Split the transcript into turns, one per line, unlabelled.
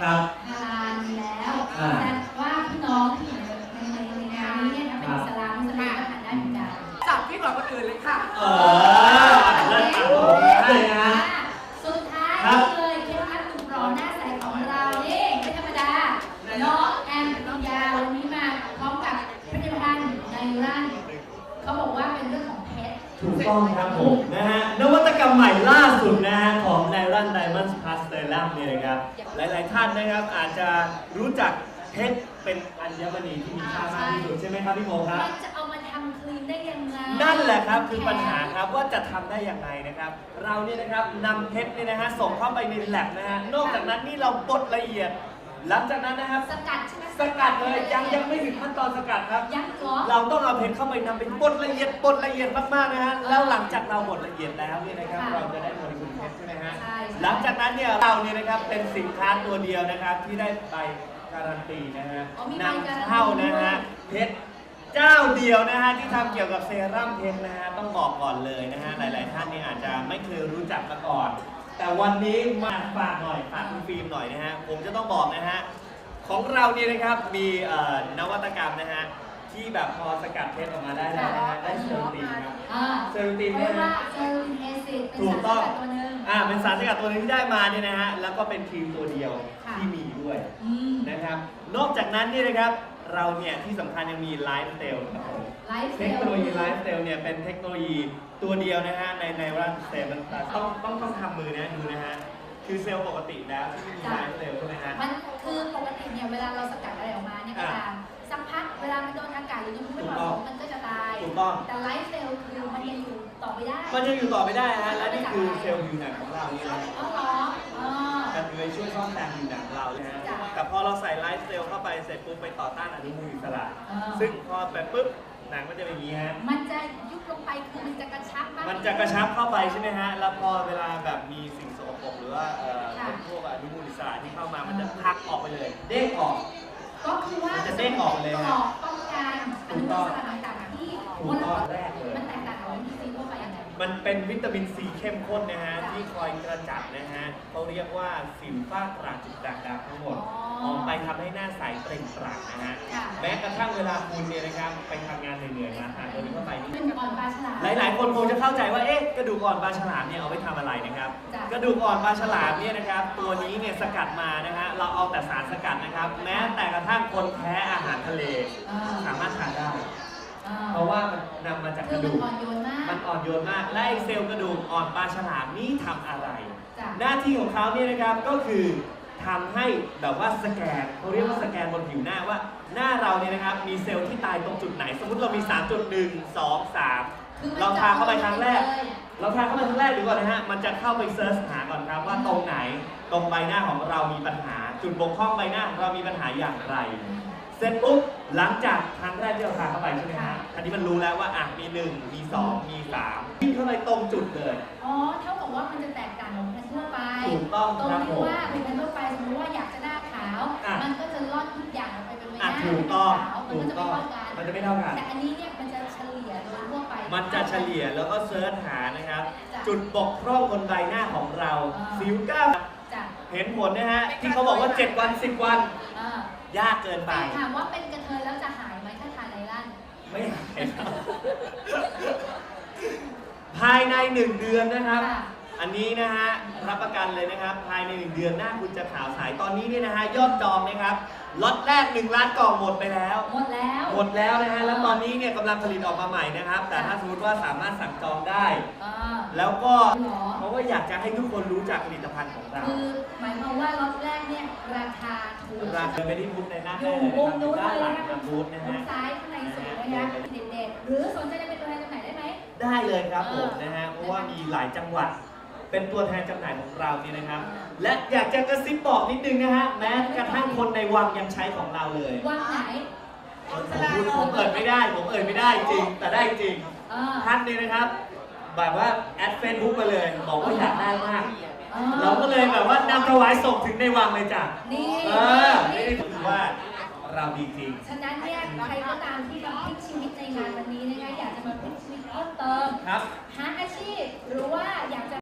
ครับ
ฮาลาลมีแล้วแต่ว่าพี่น้องที่อยู่ในงานนี้เนี่ยนะเป็นอิสลามมุสลิมก็ทานได้เหมือนกัน
จับพี่กว่าคนอื่นเลยค่ะ
เลิศครับผมได้นะ
สุดท้ายนี่เลยเคล็ดลับหนุ่มหล่อหน้าใสของเรานี่ไม่ธรรมดาน้องแอมปริญญาวันนี้มาพร้อมกับผลิตภัณฑ์ไนรันเขาบอกว่าเป็นเรื่องของเพชร
ถูกต้องครับผมนะฮะนวัตกรรมใหม่ล่าสุดนะฮะของไนรันไดมอนด์พลัสเตอรัมเนี่ยนะครับหลายๆท่านนะครับอาจจะรู้จักเพชรเป็นอัญมณีที่มีค่ามากที่สุดใช่ไหมครับพี่โมครับ
มันจะเอามาทำครีมได้ยังไง
นั่นแหละครับคือปัญหาครับว่าจะทำได้ยังไงนะครับเราเนี่ยนะครับนำเพชรเนี่ยนะฮะส่งเข้าไปในแลบนะฮะนอกจากนั้นนี่เราบดละเอียดหลังจากนั้นนะครับ
สกัดใช่ไหม
สกัดเลยยังไม่ถึงขั้นตอนสกัดครับ
ยังเหรอ
เราต้องเอาเพชรเข้าไปนำเป็นบดละเอียดมากๆนะฮะแล้วหลังจากเราบดละเอียดแล้วเนี่ยนะครับเราจะได้โมเลกุลเพชรใช่ไหมฮะหลังจากนั้นเนี่ยเราเนี่ยนะครับเป็นสินค้าตัวเดียวนะครับที่ได้ใบการันตีนะฮะนำเข้านะฮะเพชรเจ้าเดียวนะฮะที่ทำเกี่ยวกับเซรั่มเพชรนะฮะต้องบอกก่อนเลยนะฮะหลายๆท่านนี่อาจจะไม่เคยรู้จักมาก่อนแต่วันนี้มาฝากหน่อยฝากคุณฟิล์มหน่อยนะฮะผมจะต้องบอกนะฮะของเราเนี่ยนะครับมีนวัตกรรมนะฮะที่แบบพอสกัดเพชรออกมาได้แล้วนะฮะได้เซลลูตินครับเซลลูตินเนี่ยนะถูกต้องเป็นสารสกัดตัวนึงที่ได้มาเนี่ยนะฮะแล้วก็เป็นครีมตัวเดียวที่มีด้วยนะครับนอกจากนั้นเนี่ยนะครับเราเนี่ยที่สำคัญยังมีไลฟ์สเตลครับผมเทคโนโลยีไลฟ์สเตลเนี่ยเป็นเทคโนโลยีตัวเดียวนะฮะในร่างเซลล์มันต้องทำมือนะดูนะฮะคือเซลล์ปกติแล้วที่มีไลฟ์เซลล์ใช่ไหมฮะ
มันคือปกติเนี่ยเวลาเราสกัดอะไรออกมาเนี่ยก็ตามสักพักเวลามันโดนอากาศหรือมันไม่เหมาะสมมันก็จะตาย
ถูกต้อง
แต่ไลฟ์เซลล์คือมันยังอยู่ต่อไปได้
มันยังอยู่ต่อไปได้ฮะและนี่คือเซลล์ผิวหนังของเรานี่นะ
อ๋อเหรอ
มันช่วยซ่อมแซมผิวหนังของเรานะฮะแต่พอเราใส่ไลฟ์เซลล์เข้าไปเสร็จปุ๊บไปต่อต้านอนุมูลอิสระซึ่งพอไปปุ๊บหนังมันจะเป็นอย่างนี้ฮะ
มันจะยุบลงไปคือมันจะกระชับมาก
มันจะกระชับเข้าไปใช่ไหมฮะแล้วพอเวลาแบบมีสิ่งสกปรกหรือว่าเป็นพวกอนุมูลอิสระที่เข้ามามันจะพักออกไปเลยเด้งออก
ก็คือว่า
จะเด้งออกเลยฮะ
ป้องกันอนุมูลอิสระต่างๆที่มันแรกเลยมันแตกต่างกับวิตามินซีทั่วไปยังไง
มันเป็นวิตามินซีเข้มข้นนะฮะที่คอยกระจัดนะฮะเขาเรียกว่าสิวฝ้ากระจุดด่างดำทั้งหมดออกไปทำให้หน้าใสเปล่งปลั่งนะฮะแม้กระทั่งเวลาคุณเนี่ยนะครับไปทำงานเหนื่อยๆมาทานตัวนี้เข้าไปนี่หลายๆคนคงจะเข้าใจว่าเอ๊ะกระดูกอ่อนปลาฉลามเนี่ยเอาไปทำอะไรนะครับกระดูกอ่อนปลาฉลามเนี่ยนะครับตัวนี้เนี่ยสกัดมานะฮะเราเอาแต่สารสกัดนะครับแม้แต่กระทั่งคนแพ้อาหารทะเลสามารถทานได้เพราะว่ามันนำมาจากกระดูกมันอ่อนโยนมากและไอเซลล์กระดูกอ่อนปลาฉลามนี่ทำอะไรหน้าที่ของเขาเนี่ยนะครับก็คือทำให้แบบว่าสแกนเขาเรียกว่าสแกนบนผิวหน้าว่าหน้าเราเนี่ยนะครับมีเซลล์ที่ตายตรงจุดไหนสมมติเรามี 3.1 2 3เราทาเข้าไปครั้งแรกดูก่อนนะฮะมันจะเข้าไปเซิร์ชหาก่อนครับว่าตรงไหนตรงใบหน้าของเรามีปัญหาจุดบกพร่องใบหน้าของเรามีปัญหาอย่างไรเสร็จปุ๊บหลังจากครั้งแรกที่เราทาเข้าไปใช่ไหมฮะอันนี้มันรู้แล้วว่ามี 1 มี 2 มี 3ที่เข้าไปตรงจุดเลย
อ๋อเท่ากับว่ามันจะแตกต่างของเพนทั่วไป
ถูกต้องครับผม
ว่าเป็นเพนทั่วไปสมมติว่าอยากจะหน้าขาวมันก็จะลอดทุกอย่างออกไปเป็นไม่ได้
ถูกต้อง
มันจะไม่เท่ากันแต่อันนี้เนี่ยมันจะเฉลี่ยโดยทั่วไป
มันจะเฉลี่ยแล้วก็เซิร์ชหานะครับจุดบกพร่องบนใบหน้าของเราสิวก้าวเห็นผลนะฮะที่เขาบอกว่า7 วัน 10 วันยากเกินไป
ถามว่าเป็นกระเทยแล้วจะหายไหมถ้าทานไนรัน
ไม่หายครับภายใน1 เดือนนะครับอันนี้นะฮะรับประกันเลยนะครับภายใน1 เดือนหน้าคุณจะขาวใสตอนนี้เนี่ยนะฮะยอดจองนะครับล็อตแรก1 ล้านกล่องหมดไปแล้ว
หมด
แล้วนะฮะแล้วตอนนี้เนี่ยกำลังผลิตออกมาใหม่นะครับแต่ถ้าสมมติว่าสามารถสั่งจองได้แล้วก็เพราะว่าอยากจะให้ทุกคนรู้จักผลิตภัณฑ์ของเรา
คือหมายความว่าล็อตแรกเนี่ยราคาถูก
ไปที่บูธในหน้า
อยู่มุมนู้นเลย
นะคะ
บูธนะฮะซ้ายข้างในสุดนะคะเด็กๆหรือสนใจจะเป็นตัวแทนจำหน่ายได้ไหม
ได้เลยครับผมนะฮะเพราะว่ามีหลายจังหวัดเป็นตัวแทนจำหน่ายของเรานี่นะครับและอยากจะกระซิบบอกนิดนึงนะฮะแม้กระทั่งคนในวังยังใช้ของเราเลย
วังไหน
ผมเอ่ยไม่ได้จริงแต่ได้จริงท่านนี่นะครับแบบว่าแอดเฟซบุ๊กมาเลยบอกว่าอยากได้มากเราก็เลยแบบว่านำถวายส่งถึงในวังเลยจ้ะ
นี่
ถือว่าเราดีจริง
ฉะนั้นเนี่ยใครก็ตามที่มาพลิกชีวิตในงานวันนี้นะคะอยากจะมาพลิกชีวิตเพิ่มเติมหาอาชีพหรือว่าอยากจะ